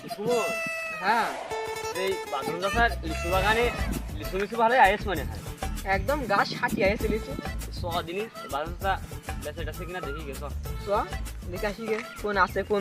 সুমন, হ্যাঁ এই বাদন দাসার লিচু বাগানে লিচু ভালোই আয়েস মনে হয়। একদম গাছ সাটিয়ে আছে লিচু। দিনই বাদন দাসা বেঁচে টেছে কিনা দেখি গেছ। চ দেখে আসি গে কোন আছে কোন।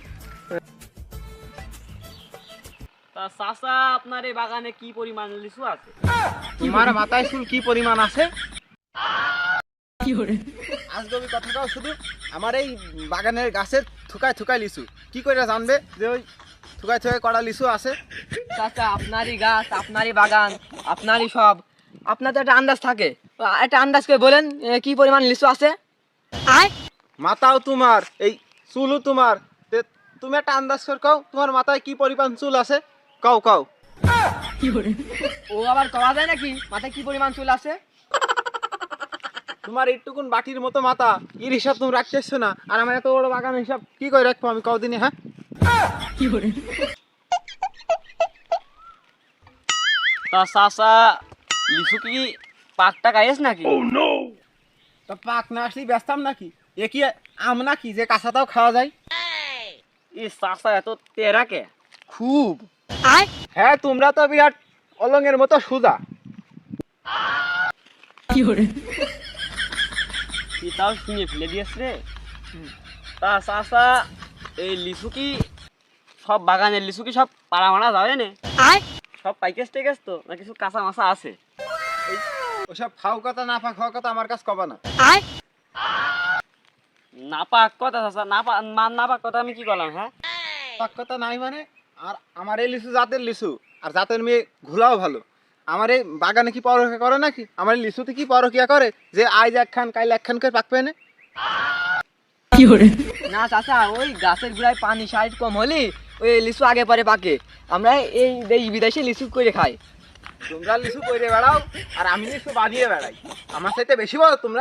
তা চাচা, আপনার এই বাগানে কি পরিমাণ লিচু আছে? তোমার মাথায় চুল কি পরিমাণ আছে? কি করে আজগবি কথাটাও শুধু আমার এই বাগানের গাছের থুকায় থুকায় লিচু কি করে জানবে যে ওই থুকায় থুকায় কড়া লিচু আছে? চাচা আপনারই গাছ, আপনারই বাগান, আপনারই সব, আপনার তো একটা আন্দাজ থাকে। একটা আন্দাজ করে বলেন কি পরিমাণ লিচু আছে। আয় মাথাও তোমার, এই চুলও তোমার, তে তুমি একটা আন্দাজ করে কও তোমার মাথায় কি পরিমাণ চুল আছে। কও কও। কি করে ও আবার কওয়া যায় নাকি মাথায় কি পরিমাণ চুল আছে? তোমার এইটুকুন বাটির মতো মাথা, এর হিসাব তুমি রাখতেছো না, আর আমার এত বড় বাগান হিসাব কি করে রাখবো আমি কদিনে? হ্যাঁ কি করে তা চাচা, লিচু কি পাকটা গায়েস নাকি? তা পাক না আসলেই ব্যস্তাম নাকি? এ কি আম নাকি যে কাঁচাটাও খাওয়া যায়? এই চাচা এত তেরা কে? খুব। আয় হ্যাঁ, তোমরা তো বিরাট অলঙ্গের মতো সোজা। কি করে কি তাও শুনে ফেলে দিয়েছ রে। তা চাচা, এই লিচু কি সব বাগানের লিচু কি সব পাড়া মারা যাবে না? আয় সব পাইকেস টেকেস তো, না কিছু কাঁচা মাছা আছে? ওসব ফাও কথা না ফাঁক হওয়া কথা আমার কাছে কবা না। আয় না পাক কথা চাচা, না পাক কথা আমি কি করলাম? হ্যাঁ, পাক কথা নাই মানে? আর আমার এই লিচু জাতের লিচু, আর জাতের মেয়ে ঘোলাও ভালো। আমার এই বাগানে কি পরকিয়া করে নাকি? আমার এই লিচুতে কি পরকিয়া করে যে আজ একখান কাইল একখান করে পাকবে না? কি করে না চাচা, ওই গাছের গোড়ায় পানি সাইড কম হলে ওই লিচু আগে পরে পাকে। আমরা এই দেশ বিদেশে লিচু করে খাই। তোমরা লিচু কইরে বেড়াও আর আমি লিচু বাঁধিয়ে বেড়াই। আমার সাথে বেশি বলো তোমরা।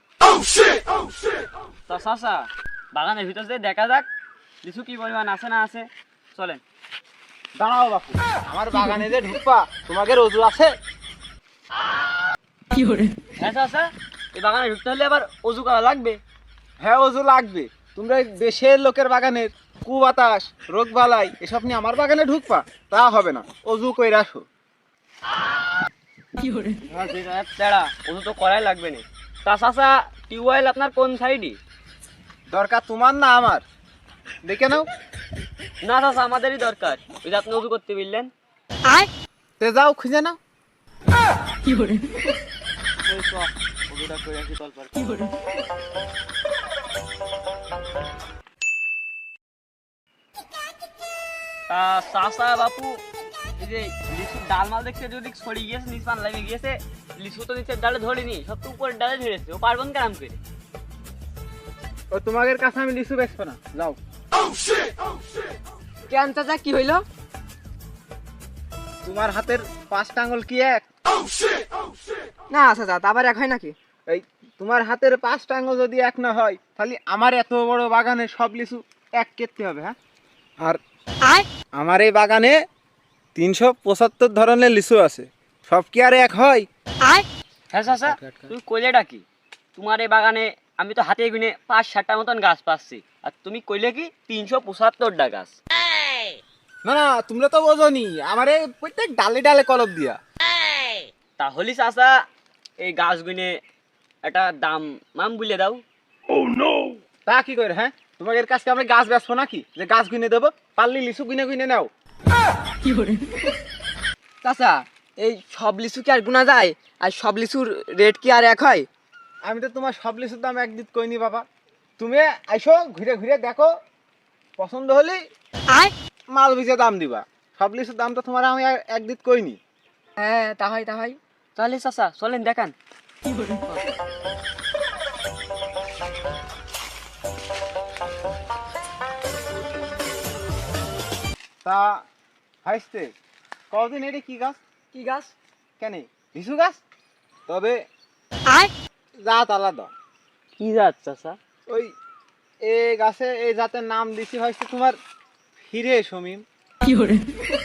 তা চাচা, বাগানের ভিতর দিয়ে দেখা যাক লিচু কি পরিমাণ আছে না আছে। চলেন। দাঁড়াও বাপু, আমার বাগানে যে ঢুকবা তোমাকে রোজু আছে? কি করে হ্যাঁ চাচা, এই বাগানে ঢুকতে হলে আবার অজু করা লাগবে। হ্যাঁ, ওজু লাগবে। তোমরা এই দেশের লোকের বাগানের কুবাতাস রোগ বালাই এসব নিয়ে আমার বাগানে ঢুকবা, তা হবে না। অজু কইরা আসো। কি করে হ্যাঁ, যেটা এক তেড়া, অজু তো করাই লাগবে না। তা চাচা, টিউবওয়েল আপনার কোন সাইডে? দরকার তোমার না আমার? দেখে নাও। না চাচা, আমাদেরই দরকার। ওই যে আপনি অজু করতে বললেন। আয় তে যাও খুঁজে নাও। কি করে ওই চ, অজুটা করে আসি তলপার। কি করে তা চাচা বাপু, এই যে লিচুর ডাল মাল দেখতে যদি ছড়িয়ে গিয়েছে, নিচ পান লাগিয়ে গিয়েছে, লিচু তো নিচের ডালে ধরেনি, সব তো উপরের ডালে ধরেছে। ও পারবেন কেরাম করে? ও তোমাদের কাছে আমি লিচু বেচবো না, যাও। কেন চাচা কি হইলো? তোমার হাতের 5টা আঙুল কি এক? না চাচা, তা আবার এক হয় নাকি? এই তোমার হাতের 5টা আঙুল যদি এক না হয়, তাহলে আমার এত বড় বাগানে সব লিচু এক কেটে হবে। হ্যাঁ, আর আয় আমার এই বাগানে 375 ধরনের লিচু আছে, সব কি আর এক হয়? আয় হ্যাঁ চাচা, তুমি কইলেটা কি? তোমার এই বাগানে আমি তো হাতে গুনে 5-7টা মতন গাছ পাচ্ছি, আর তুমি কইলে কি 375টা গাছ? না না, তোমরা তো বোঝনি, আমার এই প্রত্যেক ডালে ডালে কলপ দিয়া। তাহলে চাচা, এই গাছ গুনে একটা দাম মাম বলে দাও। তা কি করে? হ্যাঁ, তোমাদের কাছে আমরা গাছ বেচবো নাকি যে গাছ কিনে দেবো? পারলি লিচু কিনে কিনে নাও। কি করে চাচা, এই সব লিচু কি আর গুনা যায়? আর সব লিচুর রেট কি আর এক হয়? আমি তো তোমার সব লিচুর দাম এক দিত কইনি বাবা। তুমি আইসো, ঘুরে ঘুরে দেখো, পছন্দ হলে আয় মাল বিজে দাম দিবা। সব লিচুর দাম তো তোমার আমি এক দিত কইনি। হ্যাঁ তা হয় তা হয়। তাহলে চাচা চলেন দেখান। কি করে তা হাসতে কদিন এটি কি গাছ? কি গাছ? কেন লিচু গাছ? তবে আয় জাত আলাদা। কি জাত চাচা? ওই এ গাছে এই জাতের নাম দিছি হয়েছে তোমার হিরে সমীম। কি করে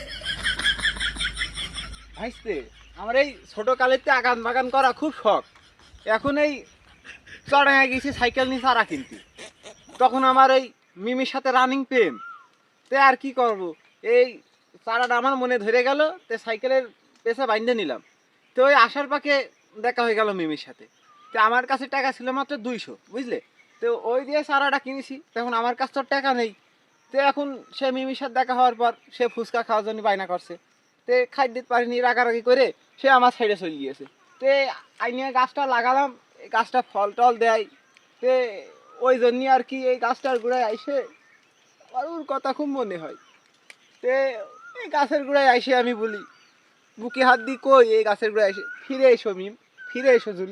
হাসতে আমার এই ছোট কালেতে আগান বাগান করা খুব শখ। এখন এই চড়াইয়া গেছি সাইকেল নিয়ে চারা কিনতে, তখন আমার এই মিমির সাথে রানিং প্রেম। তে আর কি করব, এই চারাটা আমার মনে ধরে গেল, তো সাইকেলের পেছা বাইন্ধে নিলাম। তো ওই আসার পাকে দেখা হয়ে গেল মিমির সাথে। তো আমার কাছে টাকা ছিল মাত্র 200, বুঝলে? তো ওই দিয়ে চারাটা কিনেছি। তখন আমার কাছে তো টাকা নেই। তো এখন সে মিমির সাথে দেখা হওয়ার পর সে ফুচকা খাওয়ার জন্য বায়না করছে। তে খাই দিতে পারিনি, রাগারাগি করে সে আমার সাইডে চলে গিয়েছে। তে আইনিয়া গাছটা লাগালাম, এই গাছটা ফল টল দেয়। তে ওই জন্যই আর কি এই গাছটার গোড়ায় আইসে আর ওর কথা খুব মনে হয়। তে এই গাছের গোড়ায় আইসে আমি বলি, বুকে হাত দিই, কই এই গাছের গোড়ায় এসে, ফিরে এসো মিম, ফিরে এসো জুলি।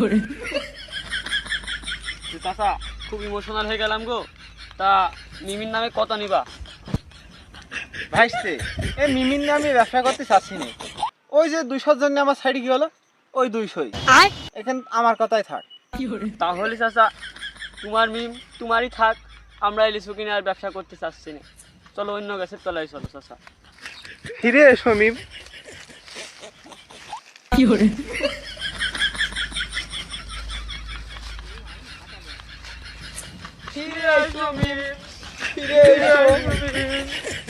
চাচা খুব ইমোশনাল হয়ে গেলাম গো। তা মিমির নামে কত নিবা? ভাইসতে এই মিমির নামে ব্যবসা করতে চাচ্ছি না। ওই যে 200 জন্য আমার সাইডে কি হলো, ওই 200ই এখানে আমার কথাই থাক। তাহলে চাচা তোমার মিম তোমারই থাক, আমরা এই লিচু কিনে আর ব্যবসা করতে চাচ্ছি না। চলো অন্য গাছের তলায় চলো চাচা। ফিরে এসো মিম। ফিরে আসো মিম, ফিরে এসো।